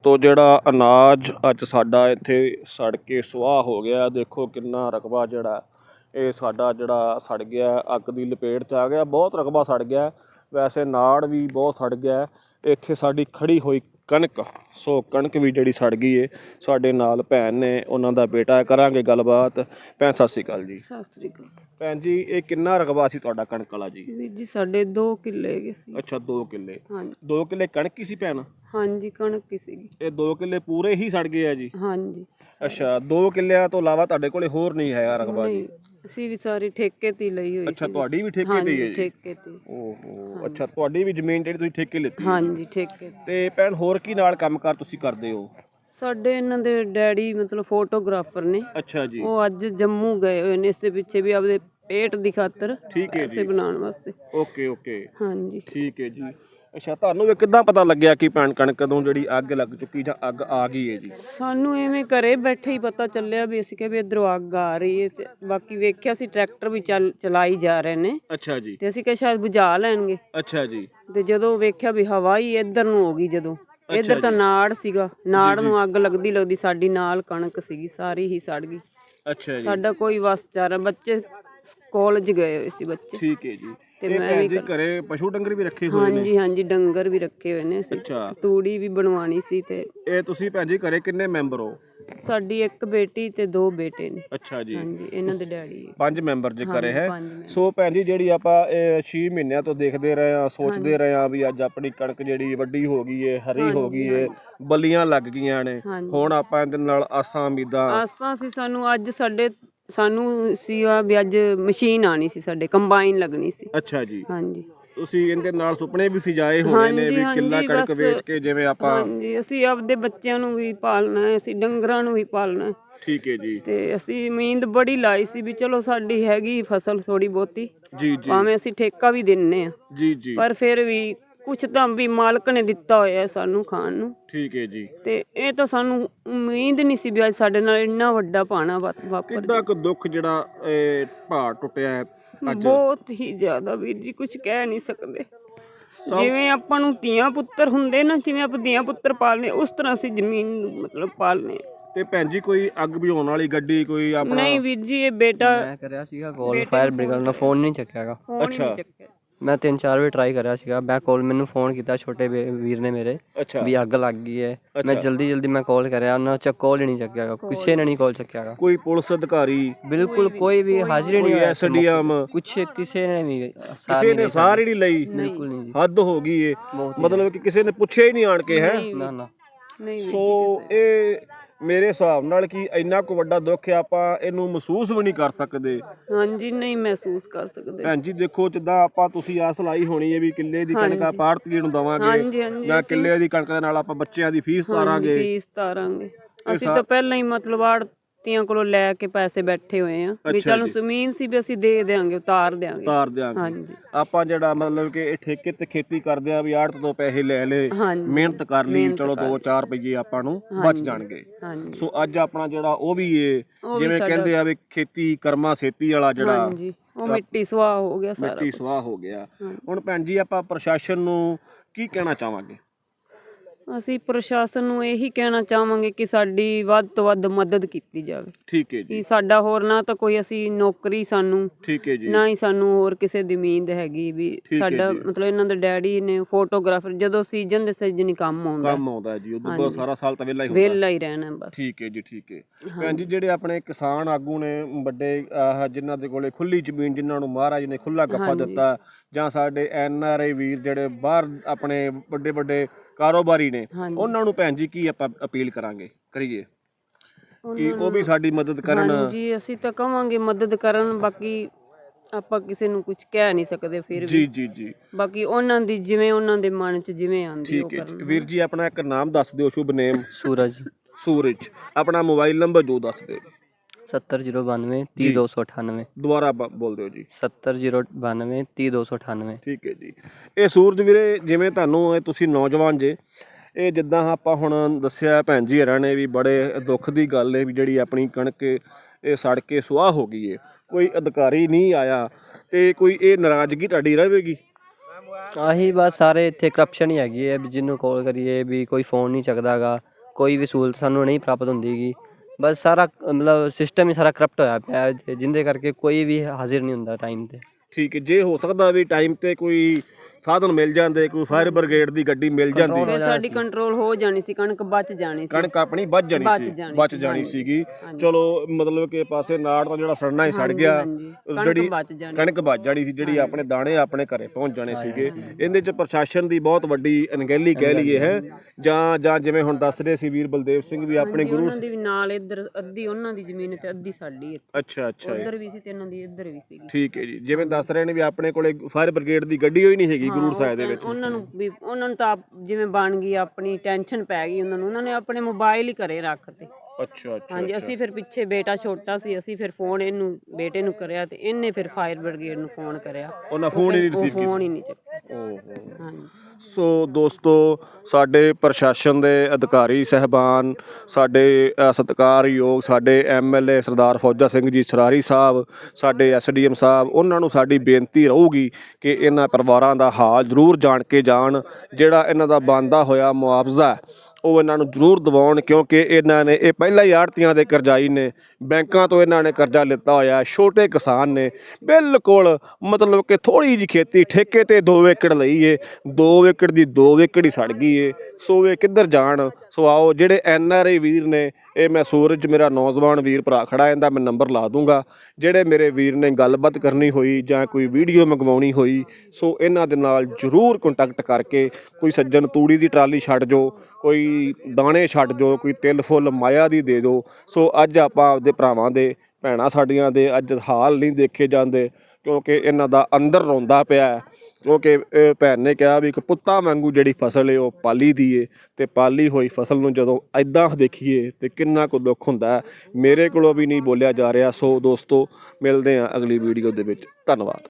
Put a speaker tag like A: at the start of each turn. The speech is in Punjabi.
A: ਦੋਸਤੋ ਜਿਹੜਾ ਅਨਾਜ ਅੱਜ ਸਾਡਾ ਇੱਥੇ ਸੜ ਕੇ ਸੁਆਹ ਹੋ ਗਿਆ। ਦੇਖੋ ਕਿੰਨਾ ਰਕਬਾ ਜਿਹੜਾ ਇਹ ਸਾਡਾ ਜਿਹੜਾ ਸੜ ਗਿਆ, ਅੱਗ ਦੀ ਲਪੇਟ 'ਚ ਆ ਗਿਆ। ਬਹੁਤ ਰਕਬਾ ਸੜ ਗਿਆ, ਵੈਸੇ ਨਾੜ ਵੀ ਬਹੁਤ ਸੜ ਗਿਆ। ਇੱਥੇ ਸਾਡੀ ਖੜੀ ਹੋਈ ਕਣਕ, ਸੋ ਕਣਕ ਵੀ ਜਿਹੜੀ ਸੜ ਗਈ ਏ। ਸਾਡੇ ਨਾਲ ਭੈਣ ਨੇ, ਉਹਨਾਂ ਦਾ ਬੇਟਾ, ਕਰਾਂਗੇ ਗੱਲਬਾਤ। ਭੈਣ ਸਤਿ ਸ਼੍ਰੀ ਅਕਾਲ ਜੀ।
B: ਸਤਿ ਸ੍ਰੀ ਅਕਾਲ
A: ਭੈਣ ਜੀ, ਇਹ ਕਿੰਨਾ ਰਕਬਾ ਸੀ ਤੁਹਾਡਾ ਕਣਕ ਵਾਲਾ ਜੀ?
B: ਵੀਰ ਜੀ ਸਾਡੇ 2 ਕਿੱਲੇ ਹੈਗੇ ਸੀ।
A: ਅੱਛਾ, 2 ਕਿੱਲੇ।
B: ਹਾਂਜੀ
A: 2 ਕਿੱਲੇ ਕਣਕ ਹੀ ਸੀ ਭੈਣ?
B: ਹਾਂਜੀ ਕਣਕ ਹੀ ਸੀਗੀ।
A: ਇਹ 2 ਕਿੱਲੇ ਪੂਰੇ ਹੀ ਸੜ ਗਏ ਆ ਜੀ?
B: ਹਾਂਜੀ।
A: ਅੱਛਾ, 2 ਕਿੱਲਿਆਂ ਤੋਂ ਇਲਾਵਾ ਤੁਹਾਡੇ ਕੋਲੇ ਹੋਰ ਨਹੀਂ ਹੈਗਾ ਰਕਬਾ ਜੀ?
B: ਅਸੀਂ ਵੀ ਸਾਰੀ ਠੇਕੇ ਤੇ ਲਈ ਹੋਈ।
A: ਅੱਛਾ, ਤੁਹਾਡੀ ਵੀ ਠੇਕੇ ਤੇ ਹੀ ਹੈ ਜੀ?
B: ਠੇਕੇ ਤੇ।
A: ਓਹੋ, ਅੱਛਾ, ਤੁਹਾਡੀ ਵੀ ਜ਼ਮੀਨ ਜਿਹੜੀ ਤੁਸੀਂ ਠੇਕੇ ਲਿੱਤੀ?
B: ਹਾਂਜੀ ਠੇਕੇ
A: ਤੇ ਭੈਣ ਹੋਰ ਕੀ ਨਾਲ ਕੰਮਕਾਰ ਤੁਸੀਂ ਕਰਦੇ ਹੋ?
B: ਸਾਡੇ ਇਹਨਾਂ ਦੇ ਡੈਡੀ ਮਤਲਬ ਫੋਟੋਗ੍ਰਾਫਰ ਨੇ।
A: ਅੱਛਾ ਜੀ।
B: ਉਹ ਅੱਜ ਜੰਮੂ ਗਏ ਹੋਏ ਨੇ ਇਸੇ ਪਿੱਛੇ ਵੀ ਆਪਦੇ ਪੇਟ ਦੀ ਖਾਤਰ,
A: ਠੀਕ ਹੈ
B: ਪੈਸੇ
A: ਜੀ,
B: ਬਣਾਉਣ ਵਾਸਤੇ।
A: ਓਕੇ ਓਕੇ,
B: ਹਾਂਜੀ
A: ਠੀਕ ਹੈ ਜੀ। ਅੱਛਾ, ਤੁਹਾਨੂੰ ਇਹ ਕਿੱਦਾਂ ਪਤਾ ਲੱਗਿਆ ਕਿ ਭੈਣ ਕਣਕ ਕਦੋਂ ਜਿਹੜੀ ਅੱਗ ਲੱਗ ਚੁੱਕੀ ਜਾਂ ਅੱਗ ਆ ਗਈ ਹੈ ਜੀ?
B: ਸਾਨੂੰ ਐਵੇਂ ਘਰੇ ਬੈਠੇ ਹੀ ਪਤਾ ਚੱਲਿਆ ਵੀ ਅਸੀਂ ਕਿਹਾ ਵੀ ਇੱਧਰੋਂ ਅੱਗ ਆ ਰਹੀ ਹੈ। ਤੇ ਬਾਕੀ ਵੇਖਿਆ ਸੀ ਟਰੈਕਟਰ ਵੀ ਚਲਾਈ ਜਾ ਰਹੇ ਨੇ।
A: ਅੱਛਾ ਜੀ।
B: ਤੇ ਅਸੀਂ ਕਿਹਾ ਸ਼ਾਇਦ ਬੁਝਾ ਲੈਣਗੇ।
A: ਅੱਛਾ ਜੀ।
B: ਤੇ ਜਦੋਂ ਵੇਖਿਆ ਵੀ ਹਵਾ ਹੀ ਇੱਧਰ ਨੂੰ ਹੋ ਗਈ, ਜਦੋਂ ਇੱਧਰ ਤਾਂ ਨਾੜ ਸੀਗਾ, ਨਾੜ ਨੂੰ ਅੱਗ ਲੱਗਦੀ ਸਾਡੀ ਨਾਲ ਕਣਕ ਸੀਗੀ, ਸਾਰੀ ਹੀ ਸੜ ਗਈ।
A: ਅੱਛਾ ਜੀ।
B: ਸਾਡਾ ਕੋਈ ਵਸ ਚਾਰਾ, ਬੱਚੇ ਕਾਲਜ ਗਏ ਹੋਏ ਸੀ ਬੱਚੇ।
A: ਠੀਕ ਹੈ ਜੀ।
B: ਤੇ
A: ਇਹ
B: ਮੈਂ
A: ਭੈਣ
B: ਵੀ
A: ਜੀ ਘਰੇ ਪਸ਼ੂ ਡੰਗਰ ਵੀ ਰੱਖੇ ਹੋਏ ਨੇ?
B: ਹਾਂਜੀ ਹਾਂਜੀ ਡੰਗਰ ਵੀ ਰੱਖੇ ਹੋਏ ਨੇ ਅਸੀਂ।
A: ਅੱਛਾ।
B: ਤੂੜੀ ਵੀ ਬਣਵਾਣੀ ਸੀ। ਤੇ
A: ਇਹ ਤੁਸੀਂ ਭੈਣ ਜੀ ਘਰੇ ਕਿੰਨੇ ਮੈਂਬਰ ਹੋ?
B: ਸਾਡੀ 1 ਬੇਟੀ ਤੇ 2 ਬੇਟੇ ਨੇ।
A: ਅੱਛਾ ਜੀ।
B: ਹਾਂਜੀ, ਇਹਨਾਂ ਦੇ ਡੈਡੀ
A: 5 ਮੈਂਬਰ ਜੇ ਘਰੇ ਹੈ।
B: 5 ਮੈਂਬਰ।
A: ਸੋ ਭੈਣ ਜੀ ਜਿਹੜੀ ਆਪਾਂ ਇਹ 6 ਮਹੀਨਿਆਂ ਤੋਂ ਦੇਖਦੇ ਰਹੇ ਆ, ਸੋਚਦੇ ਰਹੇ ਆ ਵੀ ਅੱਜ ਆਪਣੀ ਕਣਕ ਜਿਹੜੀ ਵੱਡੀ ਹੋ ਗਈ ਏ, ਹਰੀ ਹੋ ਗਈ ਏ, ਬਲੀਆਂ ਲੱਗ ਗਈਆਂ ਨੇ। ਹੁਣ ਆਪਾਂ ਇਹਦੇ ਨਾਲ ਆਸਾਂ ਉਮੀਦਾਂ
B: ਆਸਾਂ ਸੀ ਸਾਨੂੰ। ਅੱਜ ਸਾਨੂੰ ਸੀਗਾ ਵੀ ਅੱਜ ਮਸ਼ੀਨ ਆਣੀ ਸੀ, ਸਾਡੇ ਕੰਬਾਈਨ ਲੱਗਣੀ ਸੀ।
A: ਅੱਛਾ ਜੀ।
B: ਹਾਂਜੀ।
A: ਤੁਸੀਂ ਇਹਦੇ ਨਾਲ ਸੁਪਨੇ ਵੀ ਸਜਾਏ ਹੋਣੇ ਨੇ ਵੀ ਕਿੱਲਾ ਕਣਕ ਵੇਚ ਕੇ ਜਿਵੇਂ ਆਪਾਂ?
B: ਹਾਂਜੀ, ਅਸੀਂ ਆਪਦੇ ਬੱਚਿਆਂ ਨੂੰ ਵੀ ਪਾਲਣਾ ਹੈ, ਅਸੀਂ ਡੰਗਰਾਂ ਨੂੰ ਵੀ ਪਾਲਣਾ ਹੈ।
A: ਠੀਕ ਹੈ ਜੀ।
B: ਤੇ ਅਸੀਂ ਉਮੀਦ ਬੜੀ ਲਾਈ ਸੀ ਵੀ ਚਲੋ ਸਾਡੀ ਹੈਗੀ ਫਸਲ ਥੋੜੀ ਬਹੁਤੀ,
A: ਜੀ ਜੀ,
B: ਭਾਵੇਂ ਅਸੀਂ ਠੇਕਾ ਵੀ ਦਿੰਨੇ ਆ,
A: ਜੀ ਜੀ,
B: ਪਰ ਫਿਰ ਵੀ ਕੁਛ ਤਾਂ ਵੀ ਮਾਲਕ ਨੇ ਦਿੱਤਾ ਹੋਇਆ ਸਾਨੂੰ ਖਾਣ ਨੂੰ।
A: ਠੀਕ ਹੈ ਜੀ।
B: ਤੇ ਇਹ ਤਾਂ ਸਾਨੂੰ ਉਮੀਦ ਨਹੀਂ ਸੀ ਵੀ ਅੱਜ ਸਾਡੇ ਨਾਲ ਇੰਨਾ ਵੱਡਾ ਭਾਣਾ ਵਾਪਰ।
A: ਕਿੰਨਾ ਕੁ ਦੁੱਖ ਜਿਹੜਾ ਇਹ ਭਾਰ ਟੁੱਟਿਆ ਹੈ ਅੱਜ?
B: ਬਹੁਤ ਹੀ ਜ਼ਿਆਦਾ ਵੀਰ ਜੀ, ਕੁਝ ਕਹਿ ਨਹੀਂ ਸਕਦੇ। ਜਿਵੇਂ ਆਪਾਂ ਨੂੰ ਧੀਆਂ ਪੁੱਤਰ ਹੁੰਦੇ ਨਾ, ਜਿਵੇਂ ਆਪਾਂ ਧੀਆਂ ਪੁੱਤਰ ਪਾਲਨੇ, ਉਸ ਤਰ੍ਹਾਂ ਅਸੀਂ ਜ਼ਮੀਨ ਮਤਲਬ ਪਾਲਨੇ।
A: ਤੇ ਭੈਣ ਜੀ ਕੋਈ ਅੱਗ ਬੁਝਾਉਣ ਵਾਲੀ ਗੱਡੀ ਕੋਈ ਆਪਣਾ?
B: ਨਹੀਂ ਵੀਰ ਜੀ, ਇਹ ਬੇਟਾ
C: ਮੈਂ ਕਰਿਆ ਸੀਗਾ ਕਾਲ ਫਾਇਰ ਬ੍ਰਿਗੇਡ ਨੂੰ, ਫੋਨ ਨਹੀਂ ਚੱਕਿਆਗਾ।
A: ਅੱਛਾ।
C: ਮੈਂ 3-4 ਵਾਰ ਟਰਾਈ ਕਰਿਆ ਸੀਗਾ। ਮੈਂ ਕਾਲ, ਮੈਨੂੰ ਫੋਨ ਕੀਤਾ ਛੋਟੇ ਵੀਰ ਨੇ ਮੇਰੇ
A: ਅੱਛਾ
C: ਵੀ ਅੱਗ ਲੱਗ ਗਈ ਹੈ। ਮੈਂ ਜਲਦੀ ਮੈਂ ਕਾਲ ਕਰਿਆ, ਉਹਨਾਂ ਚ ਕਾਲ ਹੀ ਨਹੀਂ ਚੱਕਿਆਗਾ, ਕਿਸੇ ਨੇ ਨਹੀਂ ਕਾਲ ਚੱਕਿਆਗਾ।
A: ਕੋਈ ਪੁਲਿਸ ਅਧਿਕਾਰੀ?
C: ਬਿਲਕੁਲ ਕੋਈ ਵੀ ਹਾਜ਼ਰ ਨਹੀਂ ਹੋਇਆ।
A: ਐਸਡੀਐਮ
C: ਕੁਛ ਕਿਸੇ ਨੇ ਨਹੀਂ,
A: ਕਿਸੇ ਨੇ ਸਾਰ ਹੀ ਨਹੀਂ ਲਈ?
C: ਬਿਲਕੁਲ ਨਹੀਂ ਜੀ,
A: ਹੱਦ ਹੋ ਗਈ ਏ। ਮਤਲਬ ਕਿ ਕਿਸੇ ਨੇ ਪੁੱਛਿਆ ਹੀ ਨਹੀਂ ਆਣ ਕੇ ਹੈ?
C: ਨਾ ਨਾ।
A: ਸੋ ਇਹ ਮੇਰੇ ਹਿਸਾਬ ਨਾਲ ਕਿ ਇੰਨਾ ਕੁ ਵੱਡਾ ਦੁੱਖ ਆ, ਆਪਾਂ ਇਹਨੂੰ ਮਹਿਸੂਸ ਵੀ ਨਹੀਂ ਕਰ ਸਕਦੇ।
B: ਹਾਂਜੀ, ਨਹੀਂ ਮਹਿਸੂਸ ਕਰ ਸਕਦੇ।
A: ਭੈਣ ਜੀ ਦੇਖੋ, ਜਿੱਦਾਂ ਆਪਾਂ ਤੁਸੀਂ ਆਸ ਲਾਈ ਹੋਣੀ ਹੈ ਵੀ ਕਿੱਲੇ ਦੀ ਕਣਕ ਆਪਾਂ ਆੜ੍ਹਤੀਏ ਨੂੰ ਦਵਾਂਗੇ ਜਾਂ ਕਿੱਲੇ ਦੀ ਕਣਕ ਦੇ ਨਾਲ ਆਪਾਂ ਬੱਚਿਆਂ ਦੀ ਫੀਸ ਤਾਰਾਂਗੇ।
B: ਅਸੀਂ ਤਾਂ ਪਹਿਲਾਂ ਹੀ ਮਤਲਬ ਆੜ੍ਹਤੀਆਂ ਕੋਲੋਂ ਲੈ ਕੇ ਪੈਸੇ ਬੈਠੇ ਹੋਏ ਆ ਵੀ ਚਲੋ ਜ਼ਮੀਨ ਸੀ ਵੀ ਅਸੀਂ ਦੇ ਦਿਆਂਗੇ, ਉਤਾਰ ਦਿਆਂਗੇ। ਹਾਂਜੀ,
A: ਆਪਾਂ ਜਿਹੜਾ ਮਤਲਬ ਕਿ ਇਹ ਠੇਕੇ ਤੇ ਖੇਤੀ ਕਰਦੇ ਆ ਵੀ ਆੜ੍ਹਤ ਤੋਂ ਪੈਸੇ ਲੈ ਲਏ, ਮਿਹਨਤ ਕਰ ਲਈ, ਚਲੋ 2-4 ਰੁਪਏ ਆਪਾਂ ਨੂੰ ਬਚ ਜਾਣਗੇ। ਸੋ ਅੱਜ ਆਪਣਾ ਜਿਹੜਾ ਉਹ ਵੀ ਏ, ਜਿਵੇਂ ਕਹਿੰਦੇ ਆ ਵੀ ਖੇਤੀ ਕਰਮਾ ਸੇਤੀ ਵਾਲਾ ਜਿਹੜਾ,
B: ਉਹ ਮਿੱਟੀ ਸੁਆਹ ਹੋ ਗਿਆ, ਸਾਰਾ
A: ਮਿੱਟੀ ਸੁਆਹ ਹੋ ਗਿਆ। ਹੁਣ ਭੈਣ ਜੀ ਆਪਾਂ ਪ੍ਰਸ਼ਾਸਨ ਨੂੰ ਕੀ ਕਹਿਣਾ ਚਾਹਾਂਗੇ?
B: ਅਸੀਂ ਪ੍ਰਸ਼ਾਸਨ ਨੂੰ ਇਹੀ ਕਹਿਣਾ ਚਾਹਾਂਗੇ ਕਿ ਸਾਡੀ ਵੱਧ ਤੋਂ ਵੱਧ ਮਦਦ ਕੀਤੀ ਜਾਵੇ।
A: ਠੀਕ ਹੈ ਜੀ।
B: ਕਿ ਸਾਡਾ ਹੋਰ ਨਾ ਤਾਂ ਕੋਈ ਅਸੀਂ ਨੌਕਰੀ ਸਾਨੂੰ,
A: ਠੀਕ ਹੈ ਜੀ,
B: ਨਾ ਹੀ ਸਾਨੂੰ ਹੋਰ ਕਿਸੇ ਦੀ ਉਮੀਦ ਹੈਗੀ ਵੀ ਸਾਡਾ ਮਤਲਬ ਇਹਨਾਂ ਦੇ ਡੈਡੀ ਨੇ ਫੋਟੋਗ੍ਰਾਫਰ, ਜਦੋਂ ਸੀਜ਼ਨ ਦੇ ਸੀਜ਼ਨ ਹੀ ਕੰਮ ਆਉਂਦਾ ਜੀ, ਉਦੋਂ ਬਾਅਦ ਸਾਰਾ ਸਾਲ ਤਾਂ ਵਿਹਲਾ ਹੀ ਰਹਿਣਾ ਬਸ। ਠੀਕ ਹੈ ਜੀ, ਠੀਕ ਹੈ। ਭੈਣ ਜੀ ਜਿਹੜੇ ਆਪਣੇ ਕਿਸਾਨ ਆਗੂ ਨੇ ਵੱਡੇ, ਜਿਨ੍ਹਾਂ ਦੇ ਕੋਲੇ ਖੁੱਲੀ ਜ਼ਮੀਨ, ਜਿਨ੍ਹਾਂ ਨੂੰ ਮਹਾਰਾਜ ਨੇ ਖੁੱਲਾ ਗੱਫਾ ਦਿੱਤਾ, ਜਾਂ ਸਾਡੇ NRI ਵੀਰ ਜਿਹੜੇ ਬਾਹਰ ਆਪਣੇ ਵੱਡੇ ਵੱਡੇ ਕਾਰੋਬਾਰੀ ਨੇ, ਉਹਨਾਂ ਨੂੰ ਭੈਣ ਜੀ ਕੀ ਆਪਾਂ ਅਪੀਲ ਕਰੀਏ ਕਿ ਉਹ ਵੀ ਸਾਡੀ ਮਦਦ ਕਰਨ? ਹਾਂਜੀ, ਅਸੀਂ ਤਾਂ ਕਵਾਂਗੇ ਮਦਦ ਕਰਨ, ਬਾਕੀ ਆਪਾਂ ਕਿਸੇ ਨੂੰ ਕੁਝ ਕਹਿ ਨਹੀਂ ਸਕਦੇ। ਫਿਰ ਵੀ
A: ਜੀ ਜੀ, ਬਾਕੀ
B: ਉਹਨਾਂ ਦੀ ਜਿਵੇਂ ਉਹਨਾਂ ਦੇ ਮਨ 'ਚ ਜਿਵੇਂ ਆਉਂਦੀ ਉਹ ਕਰਨ।
A: ਵੀਰ ਜੀ ਆਪਣਾ ਇੱਕ ਨਾਮ ਦੱਸ ਦਿਓ, ਸ਼ੁਭ ਨੇਮ? ਸੂਰਜ। ਆਪਣਾ ਮੋਬਾਈਲ ਨੰਬਰ ਜੋ ਦੱਸ ਦਿਓ।
C: 7092 30298।
A: ਦੁਬਾਰਾ ਬੋਲ ਦਿਓ ਜੀ।
C: 7092 30298।
A: ਠੀਕ ਹੈ ਜੀ। ਇਹ ਸੂਰਜ ਵੀਰੇ, ਜਿਵੇਂ ਤੁਹਾਨੂੰ ਤੁਸੀਂ ਨੌਜਵਾਨ ਜੇ, ਇਹ ਜਿੱਦਾਂ ਆਪਾਂ ਹੁਣ ਦੱਸਿਆ ਭੈਣ ਜੀ ਹਰਾਂ ਨੇ ਵੀ, ਬੜੇ ਦੁੱਖ ਦੀ ਗੱਲ ਹੈ ਵੀ ਜਿਹੜੀ ਆਪਣੀ ਕਣਕ ਇਹ ਸੜ ਕੇ ਸੁਆਹ ਹੋ ਗਈ ਹੈ, ਕੋਈ ਅਧਿਕਾਰੀ ਨਹੀਂ ਆਇਆ, ਤੇ ਕੋਈ ਇਹ ਨਾਰਾਜ਼ਗੀ ਤੁਹਾਡੀ ਰਹੇਗੀ?
C: ਆਹੀ ਬਸ, ਸਾਰੇ ਇੱਥੇ ਕਰਪਸ਼ਨ ਹੀ ਹੈਗੀ ਹੈ ਵੀ ਜਿਹਨੂੰ ਕਾਲ ਕਰੀਏ ਵੀ ਕੋਈ ਫੋਨ ਨਹੀਂ ਚੱਕਦਾ ਗਾ। ਕੋਈ ਵੀ ਸਹੂਲਤ ਸਾਨੂੰ ਨਹੀਂ ਪ੍ਰਾਪਤ ਹੁੰਦੀ ਗੀ। ਬਸ ਸਾਰਾ ਮਤਲਬ ਸਿਸਟਮ ਹੀ ਸਾਰਾ ਕਰਪਟ ਹੋਇਆ ਪਿਆ ਜਿਹਦੇ ਕਰਕੇ ਕੋਈ ਵੀ ਹਾਜ਼ਰ ਨਹੀਂ ਹੁੰਦਾ ਟਾਈਮ ਤੇ।
A: ਠੀਕ ਹੈ, ਜੇ ਹੋ ਸਕਦਾ ਵੀ ਟਾਈਮ ਤੇ ਕੋਈ ਸਾਧਨ ਮਿਲ ਜਾਂਦੇ, ਕੋਈ ਫਾਇਰ ਬ੍ਰਿਗੇਡ ਦੀ ਗੱਡੀ ਮਿਲ ਜਾਂਦੀ,
B: ਫਿਰ ਸਾਡੀ ਕੰਟਰੋਲ ਹੋ ਜਾਣੀ ਸੀ, ਕਣਕ ਬਚ ਜਾਣੀ ਸੀ,
A: ਕਣਕ ਆਪਣੀ ਬਚ ਜਾਣੀ ਸੀਗੀ। ਚਲੋ ਮਤਲਬ ਕਿ ਪਾਸੇ ਨਾੜ ਦਾ ਜਿਹੜਾ ਸੜਨਾ ਹੀ ਸੜ ਗਿਆ, ਜਿਹੜੀ ਕਣਕ ਬਚ ਜਾਣੀ ਸੀ, ਜਿਹੜੀ ਆਪਣੇ ਦਾਣੇ ਆਪਣੇ ਘਰੇ ਪਹੁੰਚ ਜਾਣੇ ਸੀਗੇ। ਇਹਦੇ 'ਚ ਪ੍ਰਸ਼ਾਸਨ ਦੀ ਬਹੁਤ ਵੱਡੀ ਅਣਗਹਿਲੀ ਕਹਿ ਲਈਏ ਹੈ, ਜਾਂ ਜਿਵੇਂ ਹੁਣ ਦੱਸ ਰਹੇ ਸੀ ਵੀਰ ਬਲਦੇਵ ਸਿੰਘ ਵੀ ਆਪਣੇ ਗੁਰੂ
B: ਉਹਨਾਂ ਦੀ ਵੀ ਨਾਲ ਇੱਧਰ ਅੱਧੀ ਉਹਨਾਂ ਦੀ ਜ਼ਮੀਨ ਤੇ ਅੱਧੀ ਸਾਡੀ ਇੱਥੇ।
A: ਅੱਛਾ
B: ਉੱਧਰ ਵੀ ਸੀ ਤੇ ਇਹਨਾਂ ਦੀ ਇੱਧਰ ਵੀ ਸੀ।
A: ਠੀਕ ਹੈ ਜੀ, ਜਿਵੇਂ ਦੱਸ ਰਹੇ ਨੇ ਵੀ ਆਪਣੇ ਕੋਲੇ ਫਾਇਰ ਬ੍ਰਿਗੇਡ ਦੀ ਗੱਡੀ ਹੋਈ ਨਹੀਂ ਹੈਗੀ ਗੁਰੂ ਸਾਹਿਬ ਦੇ ਵਿੱਚ।
B: ਉਹਨਾਂ ਨੂੰ ਤਾਂ ਜਿਵੇਂ ਬਣ ਗਈ ਆਪਣੀ ਟੈਨਸ਼ਨ ਪੈ ਗਈ ਉਹਨਾਂ ਨੇ ਆਪਣੇ ਮੋਬਾਈਲ ਹੀ ਘਰੇ ਰੱਖਤੇ।
A: ਅੱਛਾ
B: ਹਾਂਜੀ, ਅਸੀਂ ਫਿਰ ਪਿੱਛੇ ਬੇਟਾ ਛੋਟਾ ਸੀ, ਅਸੀਂ ਫਿਰ ਫੋਨ ਇਹਨੂੰ ਬੇਟੇ ਨੂੰ ਕਰਿਆ ਤੇ ਇਹਨੇ ਫਿਰ ਫਾਇਰ ਬ੍ਰਿਗੇਡ ਨੂੰ ਫੋਨ ਕਰਿਆ,
A: ਉਹਨਾਂ ਫੋਨ ਹੀ ਨਹੀਂ ਰਿਸੀਵ ਕੀਤਾ।
B: ਫੋਨ ਹੀ ਨਹੀਂ ਚੱਕਿਆ। ਹਾਂਜੀ।
A: ਸੋ ਦੋਸਤੋ, ਸਾਡੇ ਪ੍ਰਸ਼ਾਸਨ ਦੇ ਅਧਿਕਾਰੀ ਸਹਿਬਾਨ, ਸਾਡੇ ਸਤਿਕਾਰਯੋਗ ਸਾਡੇ MLA ਸਰਦਾਰ ਫੌਜਾ ਸਿੰਘ ਜੀ ਸਰਾਰੀ ਸਾਹਿਬ, ਸਾਡੇ SDM ਸਾਹਿਬ, ਉਹਨਾਂ ਨੂੰ ਸਾਡੀ ਬੇਨਤੀ ਰਹੂਗੀ ਕਿ ਇਹਨਾਂ ਪਰਿਵਾਰਾਂ ਦਾ ਹਾਲ ਜ਼ਰੂਰ ਜਾਣ ਕੇ ਜਾਣ। ਜਿਹੜਾ ਇਹਨਾਂ ਦਾ ਬਣਦਾ ਹੋਇਆ ਮੁਆਵਜ਼ਾ ਉਹ ਇਹਨਾਂ ਨੂੰ ਜ਼ਰੂਰ ਦਿਵਾਉਣ, ਕਿਉਂਕਿ ਇਹ ਪਹਿਲਾਂ ਹੀ ਆੜ੍ਹਤੀਆਂ ਦੇ ਕਰਜ਼ਾਈ ਨੇ, ਬੈਂਕਾਂ ਤੋਂ ਇਹਨਾਂ ਨੇ ਕਰਜ਼ਾ ਲਿੱਤਾ ਹੋਇਆ। ਛੋਟੇ ਕਿਸਾਨ ਨੇ, ਬਿਲਕੁਲ ਮਤਲਬ ਕਿ ਥੋੜ੍ਹੀ ਜਿਹੀ ਖੇਤੀ ਠੇਕੇ ਤੇ 2 ਏਕੜ ਲਈ ਏ, 2 ਏਕੜ ਦੀ 2 ਏਕੜ ਹੀ ਸੜ ਗਈ ਏ। ਸੋ ਇਹ ਕਿੱਧਰ ਜਾਣ? ਸੋ ਆਓ, ਜਿਹੜੇ NRI ਵੀਰ ਨੇ, ਇਹ ਮੈਂ ਸੂਰਜ ਮੇਰਾ ਨੌਜਵਾਨ ਵੀਰ ਭਰਾ ਖੜਾ, ਇਹਦਾ ਮੈਂ ਨੰਬਰ ਲਾ ਦੂੰਗਾ। ਜਿਹੜੇ ਮੇਰੇ ਵੀਰ ਨੇ ਗੱਲਬਾਤ ਕਰਨੀ ਹੋਈ ਜਾਂ ਕੋਈ ਵੀਡੀਓ ਮੰਗਵਾਉਣੀ ਹੋਈ, ਸੋ ਇਹਨਾਂ ਦੇ ਨਾਲ ਜ਼ਰੂਰ ਕੰਟੈਕਟ ਕਰਕੇ, ਕੋਈ ਸੱਜਣ ਤੂੜੀ ਦੀ ਟਰਾਲੀ ਛੱਡ ਜੋ, ਕੋਈ ਦਾਣੇ ਛੱਡ ਜੋ, ਕੋਈ ਤਿਲ ਫੁੱਲ ਮਾਇਆ ਦੀ ਦੇ ਦਿਓ। ਸੋ ਅੱਜ ਆਪਾਂ ਆਪਦੇ ਭਰਾਵਾਂ ਦੇ, ਭੈਣਾਂ ਸਾਡੀਆਂ ਦੇ ਅੱਜ ਹਾਲ ਨਹੀਂ ਦੇਖੇ ਜਾਂਦੇ, ਕਿਉਂਕਿ ਇਹਨਾਂ ਦਾ ਅੰਦਰ ਰੋਂਦਾ ਪਿਆ। ਕਿਉਂਕਿ ਭੈਣ ਨੇ ਕਿਹਾ ਵੀ ਇੱਕ ਪੁੱਤਾਂ ਵਾਂਗੂ ਜਿਹੜੀ ਫਸਲ ਹੈ ਉਹ ਪਾਲੀ ਦੀ ਏ, ਅਤੇ ਪਾਲੀ ਹੋਈ ਫਸਲ ਨੂੰ ਜਦੋਂ ਇੱਦਾਂ ਦੇਖੀਏ ਤਾਂ ਕਿੰਨਾ ਕੁ ਦੁੱਖ ਹੁੰਦਾ। ਮੇਰੇ ਕੋਲੋਂ ਵੀ ਨਹੀਂ ਬੋਲਿਆ ਜਾ ਰਿਹਾ। ਸੋ ਦੋਸਤੋ, ਮਿਲਦੇ ਹਾਂ ਅਗਲੀ ਵੀਡੀਓ ਦੇ ਵਿੱਚ। ਧੰਨਵਾਦ।